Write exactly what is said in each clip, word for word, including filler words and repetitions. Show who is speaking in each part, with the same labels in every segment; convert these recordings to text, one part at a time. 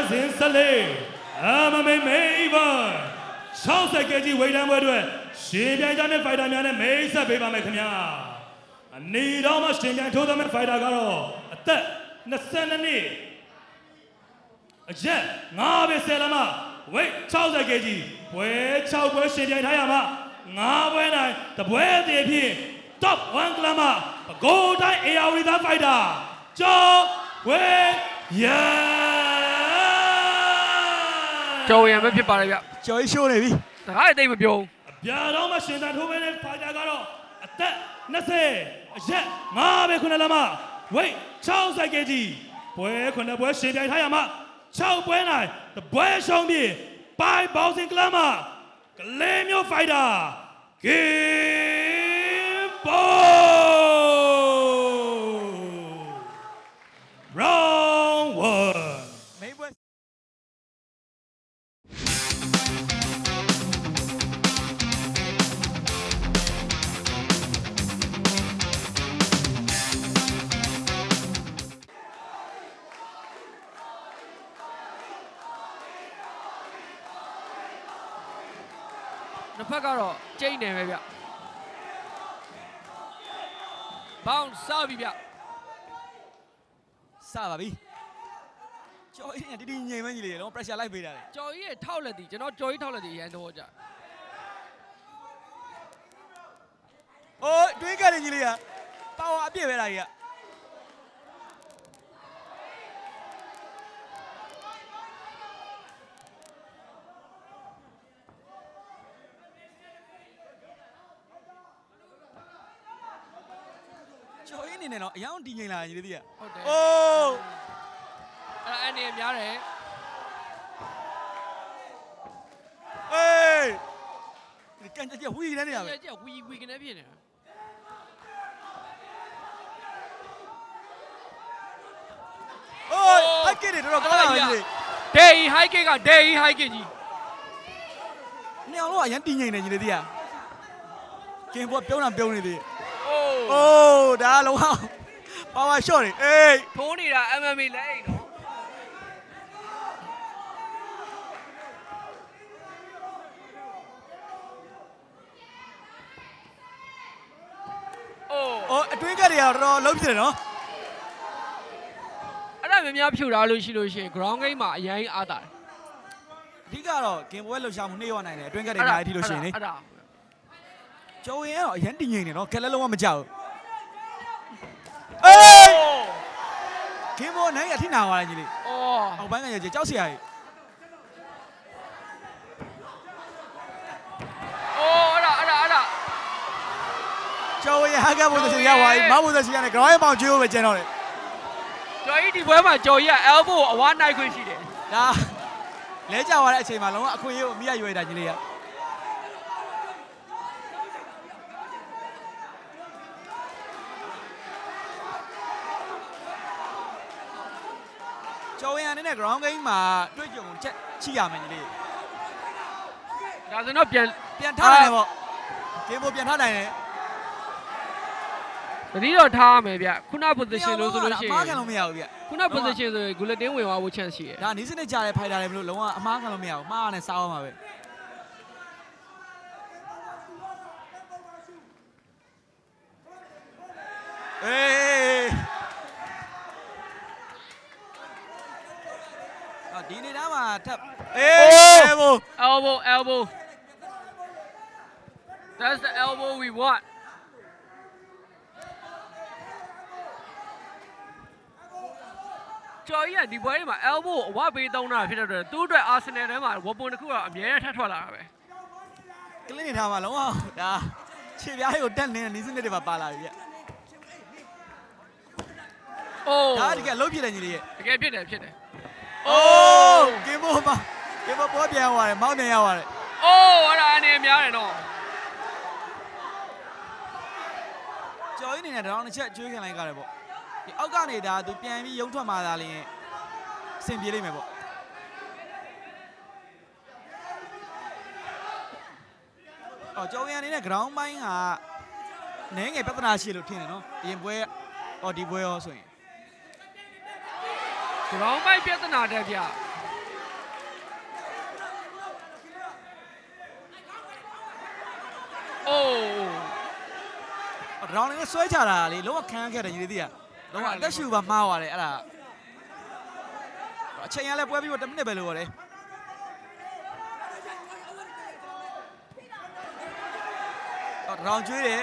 Speaker 1: ဇင်ဆက်လေးအမမေမေဘ၆၀ကီကြီးဝေးတန်းပွဲအတွက်ရှင်ပြိုင်ကြတဲ့ဖိုက်တာများနဲ့မိတ်ဆက်ပေးပါမယ်ခင်ဗျာအနေတော်မှာရှင်ပြိုင်ထိုးသမဲ့ဖိုက်တာကတော့အသက်၂၂နှစ်အရက်၅ပဲဆယ်လမဝိတ်၆၀ကီကြီးပွဲ၆ပွဲရှင်ပြိုင်ထားရမှာ၅ပွဲနိုင်တပွဲတည်းဖြင့် top one ကလမပဲခူးတိုင်းအေယာဝတီသားဖိုက်တာကျော်ဝေရ
Speaker 2: ကျော်ဝေရမဖြစ်ပါလေဗျ
Speaker 3: ကျော်ရှိုးနေပြီ
Speaker 2: တခါတိတ်မပြုံး
Speaker 1: ပြာတော်မှာရှင်သာထိုးပဲနဲ့ဖိုက်တာကတော့အသက်၂၀အရက်၅ပဲခုနှစ်လမဝိတ်၆၀ကီကြီးပွဲခုနှစ်ပွဲရှင်ပြိုင်ထားရမှာ၆ပွဲနိုင်တပွဲရှုံးပြီးပိုင်ဘောက်စင်ကလမကလေးမျိုးဖိုက်တာကင်ဘော round one
Speaker 3: မိပွဲ
Speaker 2: နှစ်ဖက်ကတော့ကျိန်းနေပဲဗျဘောင်းစပြီဗျ
Speaker 3: စပါပြီကျော်ရင်းကတီတီငိမ်မကြီးလေတော့ pressure လိုက်ပေးတာလေ
Speaker 2: ကျော်ကြီးရဲ့ထောက်လက်တီကျွန်တော်ကျော်ကြီးထောက်လက်တီရန်တော့ကြ
Speaker 3: အိုးတွေးကြတယ်ကြီးလေးကပါဝါအပြည့်ပဲလားကြီးကကျော်ရင်းနေနေတော့အယောင်တီငိမ်လာကြီးလေးတည်းက
Speaker 2: ဟုတ်တယ်
Speaker 3: အိုး
Speaker 2: အဲ့အနေများတယ်
Speaker 3: အေးကန်ကြက်ဝီနေနေရပဲ
Speaker 2: ကြက်ဝီဝီကနေဖြစ်နေတာ
Speaker 3: အိုးဟိုက်ကစ်တွေတော့ကောင်းလာပြီလေ
Speaker 2: ဒေဟိုက်ကစ်ကဒေဟိုက်ကစ်ကြီး
Speaker 3: နေအောင်လို့အရင်တီငိမ်နေကြီးလေးတည်းကကင်ဘောပြုံးတာပြုံးနေသေး
Speaker 2: အိုး
Speaker 3: အိုးဒါလုံးအောင်ပါဝါရှော့နေအေး
Speaker 2: ထိုးနေတာ M M A လဲအိမ်နော်
Speaker 3: အိုးအတွင်းကတွေကတော့တော်တော်လုံးပြတယ်နော်
Speaker 2: အဲ့ဒါများများဖြူထားလို့ရှိလို့ရှိရင် ground game မှာအရင်အားတာတယ်
Speaker 3: အဓိကတော့ဂင်ပွဲလှူရှာမှုနှေးရနိုင်တယ်အတွင်းကတွေအများကြီးထိလို့ရှိရင်လေ
Speaker 2: အဲ့ဒါ
Speaker 3: ကျော်ရင်ကတော့အရင်တင်ငိမ့်နေနော်ခက်လဲလုံးဝမကြောက်အေးဂင်ပွဲနိုင်ရထိနာသွားတယ်ကြီးလေး
Speaker 2: အော်
Speaker 3: အောက်ပိုင်းကရကြောက်စရာကြီး
Speaker 2: အော်အဲ့ဒါအဲ့ဒါအဲ့ဒါ
Speaker 3: ကျော်ရင်ဟာကဘုဒ္ဓရှင်ရသွားပြီမဘုဒ္ဓရှင်ကနေ ground ပေါင်ကျွေးဖို့ပဲကျန်တော့တယ်
Speaker 2: ကျော်ကြီးဒီပွဲမှာကျော်ကြီးက elbow အဝါနိုင်ခွင့်ရှိတယ်
Speaker 3: ဒါလဲကြသွားတဲ့အချိန်မှာလုံးဝအခွင့်အရေးကိုအမိရရွေးတာကြီးလေးကကျော်ရင်အနေနဲ့ ground game မှာတွေ့ကြုံချက်ချိရမယ်ကြီးလေး
Speaker 2: ဒါဆိုတော့ပြန်
Speaker 3: ပြန်ထားနိုင်တယ်ပေါ့ဂင်ဘိုပြန်ထားနိုင်တယ်
Speaker 2: တတိတော့ထားရမယ်ဗျခုန position လို့ဆိုလို့ရှိရင်
Speaker 3: အမှားခံလို့မရဘူးဗျ
Speaker 2: ခုန position ဆိုရင် guillotine ဝင်သွားဖို့ chance ရှိတယ်
Speaker 3: ဒါနီးစနစ်ကြားတဲ့ fighter တွေမလို့လုံးဝအမှားခံလို့မရဘူးမှားနဲ့စားအောင်ပါပဲအေးအာဒီနေတာမှာထပ်အေး elbow
Speaker 2: elbow elbow that's the elbow we wantကျော်ကြီးကဒီပွဲမှာ elbow အဝပေးသုံးတာဖြစ်တဲ့အတွက်သူ့အတွက် Arsenal ထဲမှာ weapon တစ်ခုကအမြဲတမ်းထပ်ထွက်လာတာပဲ
Speaker 3: ကလင်းနေထားမှာလုံးဝဒါခြေပြားကိုတက်နေတဲ့နီးစနစ်တွေပါပါလာပြီဗျ
Speaker 2: အိုး
Speaker 3: ဒါတကယ်လုံးပြတယ်ညီလေးရဲ့
Speaker 2: တကယ်ဖြစ်တယ်ဖြစ်တယ်
Speaker 3: အိုးကင်ဘောမှာကင်ဘောပေါ်ပြန်သွားတယ်မောင်းပြန်ရောက်သွားတယ်
Speaker 2: အိုးအဲ့ဒါအနေများတယ်နော်
Speaker 3: ကျော်ကြီးနေနဲ့တောင်တစ်ချက်ကျွေးခံလိုက်ကြတယ်ပေါ့ဒီအောက်ကနေဒါသူပြန်ပြီးရုံထွက်มาသားလင်းအဆင်ပြေလိမ့်မယ်ပေါ့အော်ကျော်ရင်အနေနဲ့ ground ပိုင်းကနည်းငယ်ပြဿနာရှိလို့ထင်တယ်နော်အရင်ပွဲအော်ဒီပွဲရောဆိုရင်
Speaker 2: ground ပိုင်းပြဿနာတက်ဗျအိုး
Speaker 3: ဒေါင်းလေးဆွဲချတာလေလုံးဝခန်းခဲ့တယ်ညီလေးတွေကလုံးဝအသက်ရှူပါမှားသွားတယ်အဲ့ဒါအချိန်ရလဲပွဲပြီးတော့တစ်မိနစ်ပဲလို့ရတယ်တော့ဒေါင်းကျွေးတယ်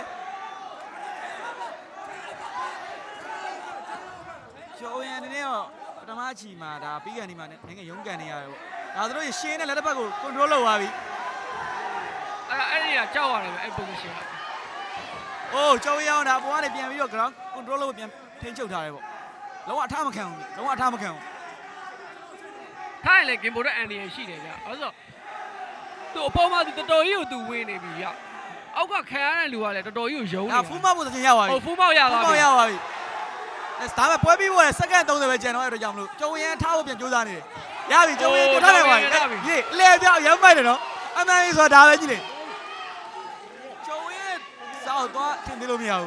Speaker 3: ကျော်ရန်နေတော့ပထမအချီမှာဒါပြီးကန်ဒီမှာနိုင်ငံရုံးကန်နေရတယ်ပေါ့ဒါသူတို့ရှင်းတဲ့လက်တစ်ဖက်ကို control လုပ်သွားပြီ
Speaker 2: အဲ့အဲ့ဒီကကြောက်ရတယ်ပဲအဲ့ position က
Speaker 3: အိုးကျော်ရန်ဒါပေါ်ကနေပြန်ပြီးတော့ ground control လုပ်ပြန်ထိန်းချုပ်ထားတယ်ပေါ့လုံးဝအထမခံဘူးလုံးဝအထမခံဘူး
Speaker 2: ထိုင်လေဂင်ဘိုရဲ့အန်ဒီရရှိတယ်ဗျအဲ့ဆိုသူ့အပေါ်မှာသူတော်တော်ကြီးကိုသူဝင်းနေပြီဗျအောက်ကခံရတဲ့လူကလည်းတော်တော်ကြီးကိုယုံနေ
Speaker 3: ဒါဖူးမောက်ဖို့သင်ရပါပြီ
Speaker 2: ဟုတ်ဖူးမောက်ရ
Speaker 3: ဖူး
Speaker 2: သွား
Speaker 3: မော
Speaker 2: ပြီ
Speaker 3: က်ရပါပြီဒါပေမဲ့ပွဲပြီးပေါ်စက္ကန့်သုံးဆယ်ပဲကျန်တော့အဲ့တော့ကြောင့်မလို့ကျော်ရန်ထားဖို့ပြန်ကြိုးစားနေတယ်ရပြီကျော်ရန်ထားလိုက်ပါပြီဟေးလဲပြောက်ရမ်းပိုက်တယ်နော်အမှန်ကြီးဆိုတာဒါပဲကြီးလေကျော်ရန်စောက်သွားထင်သေးလို့မရဘူး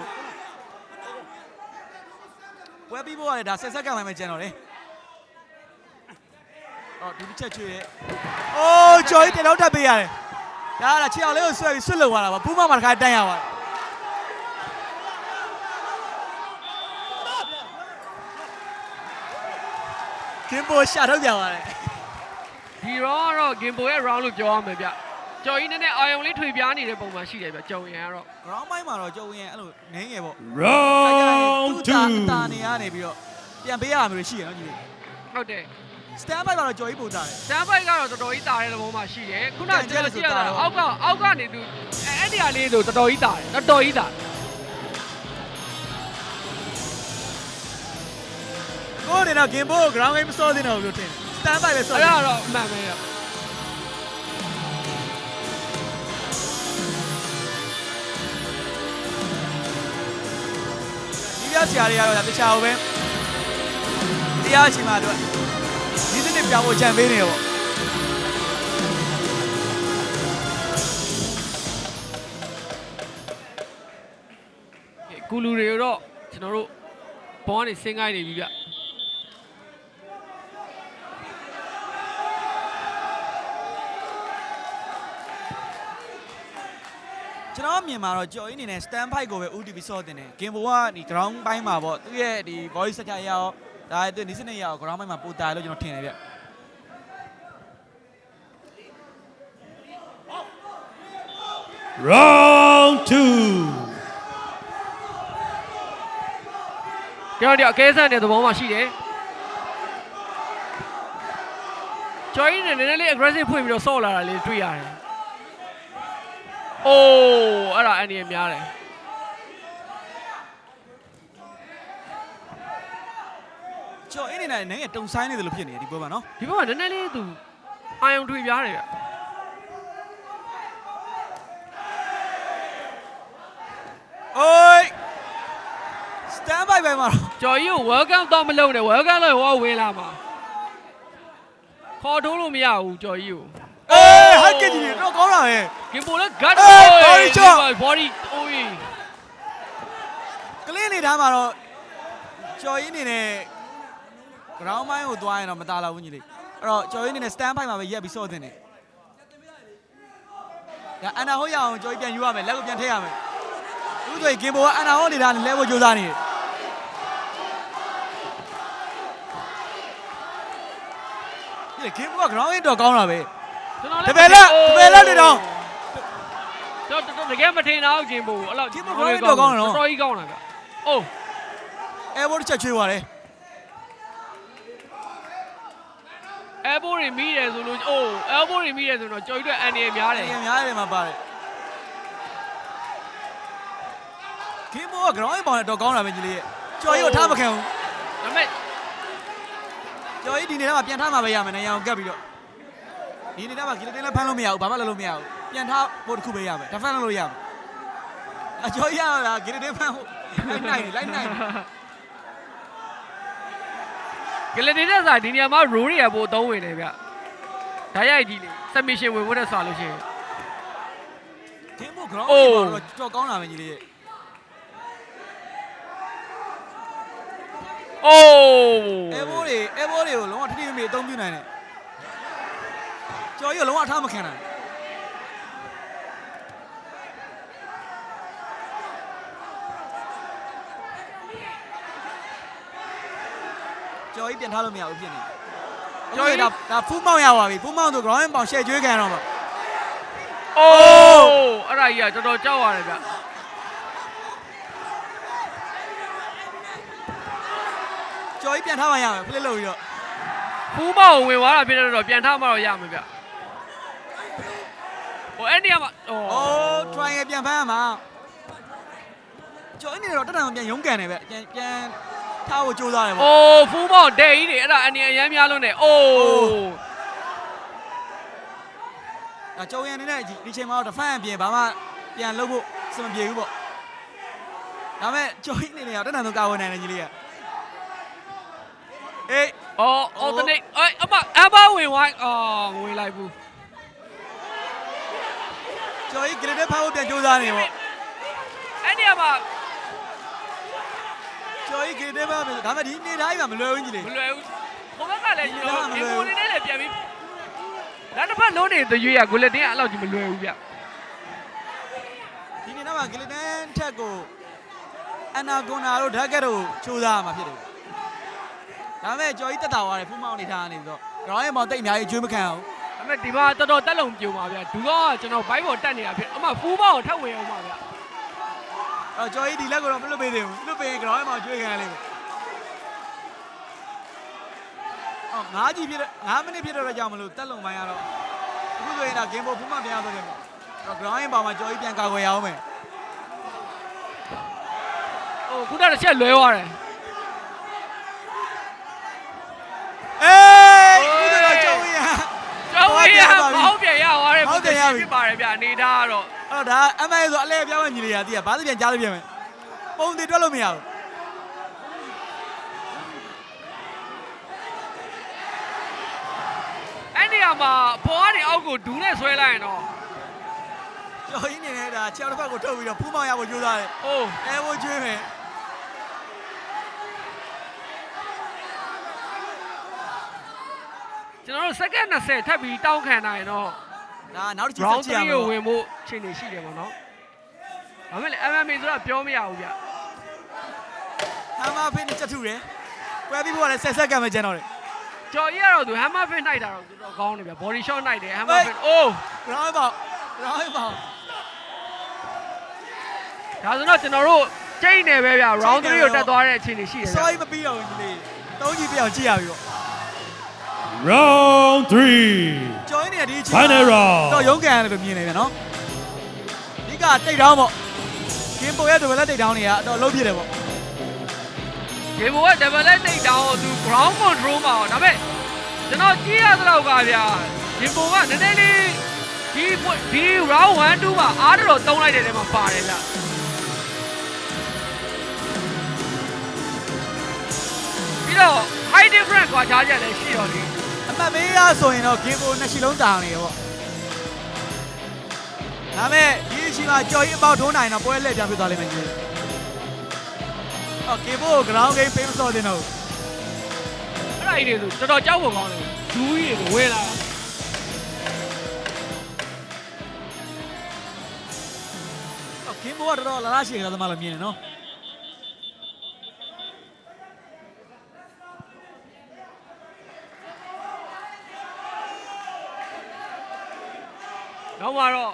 Speaker 3: ပွဲပြီးပေါ်ကလည်းဒါဆယ်စက္ကန့်မှပဲကျန်တော့လေအော်ဒီတစ်ချက်ချွေရဲ့အိုးကျော်ကြီးတလုံးထပ်ပေးရတယ်ဒါကခြေအောင်လေးကိုဆွဲပြီးဆွတ်လုံသွားတာပါဖူးမောက်မှာတစ်ခါတန်းရပါတယ်ကင်ပိုရှာထုတ်ပြပါတယ်
Speaker 2: ဒီ round ကတော့ဂင်ဘိုရဲ့ round လို့ပြောရမယ်ဗျကျော်ကြီးနည်းနည်းအာယုံလေးထွေပြားနေတဲ့ပုံမှန်ရှိတယ်ဗျကျော်ရင်ကတော့
Speaker 3: ground ပိုင်းမှာတော့ကျော်ဝင်အဲ့လိုနင်းငယ်ပေါ့
Speaker 1: round
Speaker 3: သူ့
Speaker 1: two
Speaker 3: တာနေရနေပြီးတော့ပြန်ပေးရမှာမျိုးရှိရနော်ညီလေး
Speaker 2: ဟုတ်တယ်
Speaker 3: stand by ကတော့ကျော်ကြီးပို့တာတယ်
Speaker 2: စမ်းပိုက်ကတော့တော်တော်ကြီးတာတဲ့ပုံမှာရှိတယ်ခုနကကျွန်တော်ကြည့်ရတာအောက်ကအောက်ကနေသူအဲ့ဒီဟာလေးဆိုတော်တော်ကြီးတာတယ်တော်တော်ကြီးတာ
Speaker 3: ကိုနေတော့ game boy ground game မစောသေးတော့လို့ထင် stand by ပဲစော
Speaker 2: အဲ့ဒါတော့အမှန်ပဲရ
Speaker 3: ဒီပြဆရာတွေကတော့ဒါတခြားဘူးပဲတရားချီမှာတော့ဒီနေ့ပြောင်းဖို့ကြံပေးနေရောပေါ့
Speaker 2: ကူလူတွေတော့ကျွန်တော်တို့ဘောကနေဆင်းခိုင်းနေပြီဗျ
Speaker 3: ကျွန်တော်မြင်မှာတော့ကြော်ကြီးအနေနဲ့ stand by ကိုပဲ U T V စောတင်တယ် game boy ကဒီ ground ပိုင်းမှာပေါ့သူရဲ့ဒီ voice structure ရအောင်ဒါသူဒီစနစ်ရအောင် ground ပိုင်းမှာပိုတာလို့ကျွန်တော်ထင်တယ်ဗျ
Speaker 1: round two
Speaker 2: ကျွန်တော်ဒီအကဲဆန်တဲ့သဘောမှာရှိတယ်ကျော်ကြီးနဲ့နည်းနည်းလေး aggressive ဖွင့်ပြီးတော့ဆော့လာတာလေးတွေ့ရတယ်အိုးအဲ့ဒါအန်ဒီရများတယ်
Speaker 3: ကျော်အင်းနေနဲ့နည်းငယ်တုံဆိုင်နေတယ်လို့ဖြစ်နေတယ်ဒီပွဲမှာနော်
Speaker 2: ဒီဘက်ကနည်းနည်းလေးသူအာယုံထွေပြားတယ်ဗျ
Speaker 3: အိုး stand by ပဲမှာတော့
Speaker 2: ကျော်ကြီးကို welcome တော့မလုပ်နဲ့ welcome လို့ဟောဝင်လာမှာခေါ်ထိုးလို့မရဘူးကျော်ကြီးကို
Speaker 3: အေးဟက်ကကြီးတော့ကောင်းတာပဲ
Speaker 2: ဂင်ဘိုလည်း gut
Speaker 3: body shot
Speaker 2: body အိုး
Speaker 3: ကလင်းနေသားမှာတော့ကျော်ကြီးအနေနဲ့ ground ပိုင်းကိုသွားရင်တော့မတားလောက်ဘူးညီလေးအဲ့တော့ကျော်ကြီးအနေနဲ့ stand by မှာပဲရက်ပြီးစော့တင်တယ်ဒါအန်နာဟုတ်ရအောင်ကျော်ကြီးပြန်ယူရမယ်လက်ကိုပြန်ထည့်ရမယ်သူတို့ကဂင်ဘိုကအန်နာဟုတ်နေတာလဲဖို့ကြိုးစားနေတယ်ဒီဂင်ဘိုက ground ရတော့ကောင်းတာပဲ
Speaker 2: ကျွန်တော်
Speaker 3: တပယ်လက်တပယ်လက်နေတော့
Speaker 2: ကျွန်တော်တကယ်မထင်တော့ဂင်ဘိုအဲ့လောက်
Speaker 3: ဂင်ဘို ground တော့ကောင်းတယ်နော်
Speaker 2: တော်ကြီးကောင်းတာဗျအိုး
Speaker 3: အဲဘောတစ်ချက်ချွေးသွားတယ်
Speaker 2: elbow တွေမိတယ်ဆိုလို့အိုး elbow တွေမိတယ်ဆိုတော့ကျော်ကြီးတို့အန်ဒီရများတယ်
Speaker 3: အရင်များတယ်မှာပါတယ်ဂင်ဘိုက ground ပေါင်နဲ့တော့ကောင်းတာပဲညီလေးရဲ့ကျော်ကြီးကိုထားမခံဘူး
Speaker 2: ဒါပေမဲ့
Speaker 3: ကျော်ကြီးဒီနေ့တော့ပြန်ထားမှာပဲရမယ်နေရာကိုကပ်ပြီးတော့ဒီနေ့တော့ဂီလတင်လည်းဖမ်းလို့မရဘူးဘာမှလုပ်လို့မရဘူးပြန်ထားဖို့တစ်ခုပဲရမယ်ဒါဖမ်းလို့ရမယ်အကျော်ကြီးရတာဂီလတင်ဖမ်းဖို့လိုက်နိုင်လိုက်နိုင်
Speaker 2: ဂလတီတဲ့စာဒီနေရာမှာ roll တွေရပို့အသုံးဝင်တယ်ဗျဓာတ်ရိုက်ကြီးလေ submission ဝင်ဖို့တဲ့စာလို့ရှိရင်
Speaker 3: ဂင်ဘို ground တော့ကြော်ကောင်းတာပဲညီလေးရဲ့
Speaker 2: အိုး
Speaker 3: အဲဘိုးတွေအဲဘိုးတွေကိုလုံးဝထိထိမိမိအသုံးပြုနိုင်တယ်ကျော်ကြီးကလုံးဝအထားမခံနိုင်ကျော်ကြီးပြန်ထားလို့မရဘူးဖြစ်နေကျော်ကြီးဒါဒါဖူးမောင်းရပါပြီဖူးမောင်းဆို ground ပေါင်ရှယ်ကျွေးခံတော့မှာ
Speaker 2: အိုးအဲ့ဒါကြီးကတော်တော်ကြောက်ရတယ်ဗျ
Speaker 3: ကျော်ကြီးပြန်ထားမှရမယ်ဖလစ်လို့ပြီးတော့
Speaker 2: ဖူးမောင်ဝင်သွားတာဖြစ်တော့ပြန်ထားမှတော့ရမှာဗျဟိုအဲ့ဒီကမှအိုး
Speaker 3: အိုး try ရပြန်ဖမ်းရမှာကျော်ကြီးနေတော့တက်တန်ပြန်ရုန်းကန်နေပဲပြန်ပြန်ထားဖို့ကြိုးစားတယ်ပေါ့
Speaker 2: အိုးဖူးမောင်ဒဲကြီးတွေအဲ့ဒါအနေအရမ်းများလုံးတယ်အိုး
Speaker 3: ဒါကျော်ရန်နေတဲ့ဒီချိန်မှာတော့ defense ပြင်ဘာမှပြန်လုပ်ဖို့စမပြေဘူးပေါ့ဒါမဲ့ကျော်ကြီးနေနေတော့တက်တန်ဆုံးကာဝယ်နိုင်တယ်ကြီးလေးကအေး
Speaker 2: အော် alternate အဲ့အမအမဝင်ဝိုင်းအော်ဝင်လိုက်ဘူး
Speaker 3: ကျော်ကြီး grade ဖမ်းဖို့ပြန်ကြိုးစားနေပေါ့
Speaker 2: အဲ့ဒီကမှ
Speaker 3: ကျော်ကြီး grade ဖမ်းဒါမဲ့ဒီနေသားကြီးမှာမလွယ်ဘူးကြီးလေး
Speaker 2: မလွယ်ဘူးဟိုဘက်ကလည်းကျွန်တော်ဒီကိုနေနဲ့လည်းပြန်ပြီးနောက်တစ်ဖက်လုံးနေတဲ့ရွေးရကိုလက်တင်းကအဲ့လောက်ကြီးမလွယ်ဘူးဗျ
Speaker 3: ဒီနေ့တော့ grade ထက်ကိုအနာဂွန်နာတို့ဓာတ်ကက်တို့ကြိုးစားရမှာဖြစ်တယ်ဒါမဲ့ကျော်ကြီးတက်တာသွားတယ်ဖူးမောင်းနေထားနေပြီးတော့ ground ရဲ့မောင်တိတ်အများကြီးကျွေးမခံအောင်
Speaker 2: ဒါပေမဲ့ဒီမှာတော်တော်တက်လုံပြုံပါဗျာဒူတော့ကျွန်တော်ဘိုက်ပေါ်တက်နေတာဖြစ်အမဖူးမောင်းကိုထပ်ဝင်အောင်ပါဗျာ
Speaker 3: အော်ကျော်ကြီးဒီလက်ကိုတော့မလွတ်ပေးသေးဘူးလွတ်ပေးရင် ground ရဲ့မောင်ကျွေးခံရလိမ့်မယ်အော်ငါးကြီးဖြစ်ငါးမိနစ်ဖြစ်တော့ကြောင်မလို့တက်လုံပိုင်းရတော့အခုဆိုရင်ဒါ game board ဖူးမောင်းပြန်ရတော့တယ်ပေါ့တော့ ground ရဲ့ပေါင်မှာကျော်ကြီးပြန်ကာကွယ်ရအောင်မယ်
Speaker 2: ဟိုခုနကတစ်ချက်လွဲသွားတယ်
Speaker 3: အေးဒီတော့ကျော်ကြီး
Speaker 2: ကျောင်းဝေးရမောင်းပြန်ရသွားတယ်ဖြစ်ပါတယ်ဗျာအနေသားကတော့
Speaker 3: အဲ့တော့ဒါ M A ဆိုအလဲပြောင်းညီလေးရတည်ရဘာသပြန်ကြားလို့ပြန်မယ်ပုံတွေတွက်လို့မရဘူး
Speaker 2: အဲ့ဒီကမှပေါ်ကနေအောက်ကိုဒူးနဲ့ဆွဲလိုက်ရင်တော့
Speaker 3: ကျော်ကြီးနေနဲ့ဒါခြေထောက်တစ်ဖက်ကိုထုတ်ပြီးတော့ဖူးမောင်ရဖို့ကြိုးစားတယ်
Speaker 2: အိုး
Speaker 3: အဲဝကျွေးမယ်
Speaker 2: ကျွန်တော်တို့စက္ကန့်20ထပ်ပြီးတောင်းခံနိုင်တော့
Speaker 3: ဒါနောက်တစ်ချက်
Speaker 2: round
Speaker 3: ဆက်ကြည့်ရ
Speaker 2: three
Speaker 3: မယ်
Speaker 2: ကိုဝင်ဖို့ခြေနေရှိတယ်ပေါ့နော်ဒါပေမဲ့ M M A ဆိုတာပြောမရဘူးဗျ
Speaker 3: ဟမ်မာဖိနဲ့ချက်ထုတယ်ကွဲပြီးဖို့ကလည်းဆက်ဆက်ကံပဲကျန်တော့တယ်
Speaker 2: ကျော်ကြီးကတော့သူ hammer fin နှိုက်တာတော့သူတော့ကောင်းတယ်ဗျ body shot နှိုက်တယ် hammer fin အိုး
Speaker 3: ground ပေါက် ground ပေါက်
Speaker 2: ဒါဆိုတော့ကျွန်တော်တို့ချိန်နေပဲဗျ round three ကိုတက်သွားတဲ့အခြေအနေရှိတယ်ဗျ
Speaker 3: sorry မပြီးတော့ဘူးဒီလေးသုံးကြီးပြအောင်ကြည့်ရပြီပေါ့
Speaker 1: round three
Speaker 3: ကျော်ကြီးနေဒီအချိန်
Speaker 1: final round
Speaker 3: တော့ရုန်းကန်ရတယ်လို့မြင်နေပြန်နော်ဒီကတိတ်တောင်းပေါ့ကင်ပိုရဲ့ဒဗလက်တိတ်တောင်းတွေကအတော့လုံးပြတယ်ပေါ့
Speaker 2: ဒီဘောက double leg take down ကိုသူ ground control မှာတော့ဒါပေမဲ့ကျွန်တော်ကြည့်ရသလောက်ကဗျာဒီဘောကနည်းနည်းလေးဒီဒီ round one two မှာအားတော်တုံးလိုက်တဲ့နေရာမှာပါတယ်ဗျပြီးတော့ high difference ကွာခြားချက်လည်းရှိတော့လေ
Speaker 3: အမှတ်ပေးရဆိုရင်တော့ကင်ပိုနှစ်ရှိလုံးတောင်းနေရပေါ့ဒါမဲ့ဒီအချိန်မှာကြော်ကြီးအပေါက်ထုံးနိုင်တော့ပွဲလက်ပြန်ပြသွားလိမ့်မယ်ကြီးအော်ကင်ပို ground game ပေးမစော်တင်တော့
Speaker 2: အဲ့ဒါကြီးတွေဆိုတော်တော်ကြောက်ဖို့ကောင်းတယ်ဒူးကြီးတွေဝဲလာ
Speaker 3: အော်ကင်ပိုကတော်တော်လာလာရှိကြသမားလို့မြင်နေနော်
Speaker 2: နောက်မှာတော့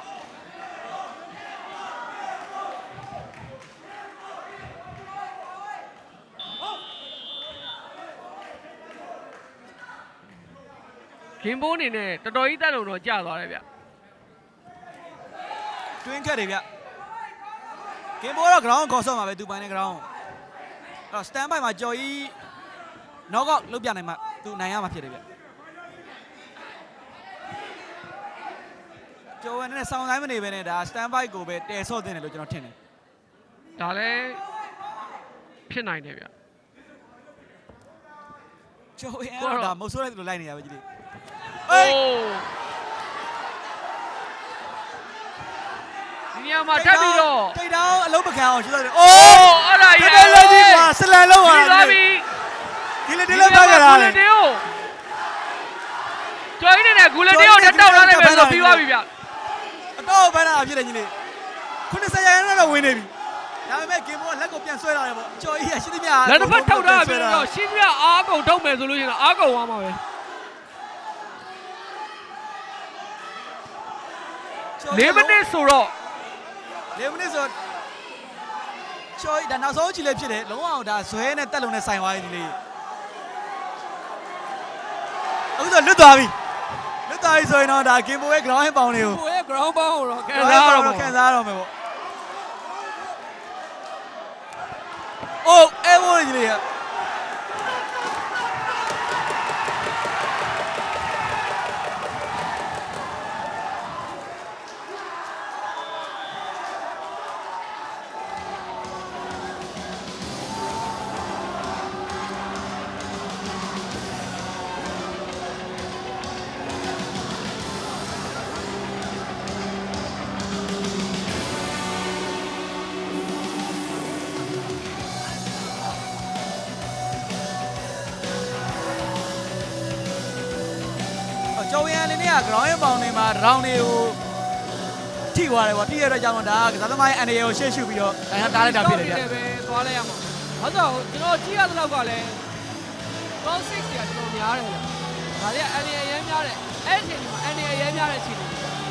Speaker 2: ဂင်ဘိုးအနေနဲ့တော်တော်ကြီးတက်လို့တော့ကြာသွားတယ်ဗျ
Speaker 3: တွင်းခက်တွေဗျကင်ပိုတော့ ground ခေါ်ဆော့မှာပဲသူပိုင်တဲ့ ground အဲ့တော့ stand by မှာကြော်ကြီး knock out လုပ်ပြနိုင်မှာသူနိုင်ရမှာဖြစ်တယ်ဗျကျော်ဝင်နဲ့ဆောင်းတိုင်းမနေပဲနဲ့ဒါ stand by ကိုပဲတဲဆော့တင်တယ်လို့ကျွန်တော်ထင်တယ်
Speaker 2: ဒါလည်းဖြစ်နိုင်တယ်ဗျ
Speaker 3: ကျော်ဝင်အဲ့တော့ဒါမဟုတ်ဆိုးလိုက်လို့လိုက်နေရပဲကြီးလေး
Speaker 2: အိုးဒီနေရာမှာထပ်ပြီးတော့
Speaker 3: တိတ်တောင်းအလုံးမခံအောင်ရှင်းလိုက်တယ်
Speaker 2: အိုးအဲ့ဒါကြီး
Speaker 3: တက်လက်ကြီးကွာဆလန်လုံးပါ
Speaker 2: ပြီးသွားပြီ
Speaker 3: ဒီလေဒီလေပါကြတာလေ
Speaker 2: ဂူလတီယိုကျော်ကြီးနဲ့ဂူလတီယိုတက်တောက်လာတယ်ပဲဆိုပြီးသွားပြီဗျ
Speaker 3: အတော့ဘန်းတာဖြစ်တယ်ကြီးလေး90ရာခိုင်နှုန်းတော့ဝင်နေပြီဒါဒါပေမဲ့ဂိမ်းဘောကလက်ကိုပြန်ဆွဲလာတယ်ပေါ့ကျော်ကြီးကရှင်းသမျှ
Speaker 2: လက်တစ်ဖက်ထုတ်ထားပြီးတော့ရှင်းပြအားကုန်ထုတ်မယ်ဆိုလို့ရှိရင်အားကုန်သွားမှာပဲလေးမိနစ်ဆိုတော့
Speaker 3: လေးမိနစ်ဆိုကျော်ကြီးဒါနောက်ဆုံးကြည့်လေးဖြစ်တယ်လုံးဝဒါဇွဲနဲ့တက်လုံးနဲ့ဆိုင်သွားပြီဒီလေးအခုဆိုလွတ်သွားပြီလွတ်သွားပြီဆိုရင်တော့ဒါဂိမ်းဘောရဲ့ ground ပေါင်းလေးကို
Speaker 2: ကိုရဲ့ ground ပေါင်းကိုတော့ခံစားရတော့
Speaker 3: ခံစားရတော့မယ်ပေါ့အိုးအဲဝိုးကြီးလေးကျော်ရန်အနေနဲ့က ground ရဲ့ပေါင်တွေမှာ round တွေကိုထိသွားတယ်ပေါ့ထိရတဲ့ကြောင့်ဒါကစားသမားရဲ့ အနေကိုရှေ့ရှုပြီးတော့ဒါတားလိုက်တာဖြစ်တယ်ဗျ
Speaker 2: ပဲသွားလိုက်ရမှာဘာလို့ကျွန်တော်ကြည့်ရတဲ့လောက်ကလည်း cross six ကကျွန်တော်များတယ်ဗျဒါတွေက အနေအရင်များတယ်အဲ့ဒီအချိန်မှာအနေအရင်များတဲ့အချိန်တွေ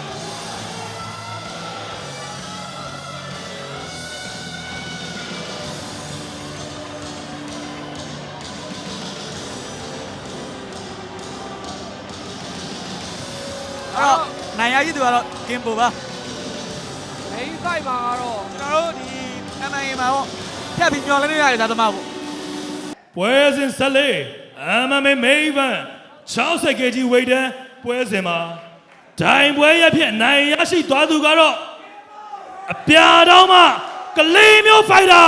Speaker 3: အဲ့တော့နိုင်ရကြီးသူကတော့ဂိမ်းပိုပါ
Speaker 2: main fight မှာကတော့
Speaker 3: ကျွန်တော်တို့ဒီ M M A မှာပေါ့ဖြတ်ပြီးညှော်လဲနေရတယ်ဒါသမားပေါ့
Speaker 1: ပွဲစဉ်ဆက်လေး M M A main event 60 ကီလိုဂရမ် weight တန်းပွဲစဉ်မှာဒိုင်ပွဲရဖြစ်နိုင်ရရှိသွားသူကတော့အပြာတော်မှကလေးမျိုး fighter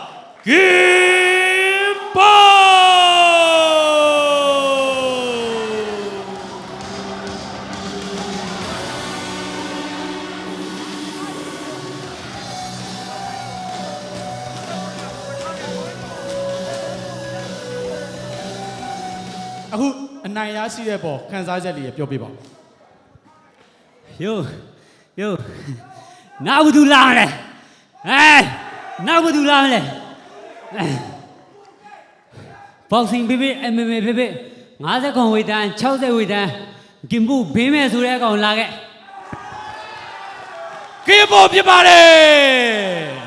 Speaker 1: Gimbo
Speaker 4: အခုအနိုင်ရရှိတဲ့ပေါ်ခန်းစားချက်လေးပြောပြပါဦး
Speaker 5: ယိုယိုနောက်ဘူးသူလာမလဲဟဲ့နောက်ဘူးသူလာမလဲဘောက်ဆင်ဘေဘေ M M A ဘေဘေ50ခွန်ဝေးတန်း60ဝေးတန်းဂင်ဘူးဘေးမဲ့ဆိုတဲ့အကောင်လာခဲ့
Speaker 4: ဂင်ဘူဖြစ်ပါတယ်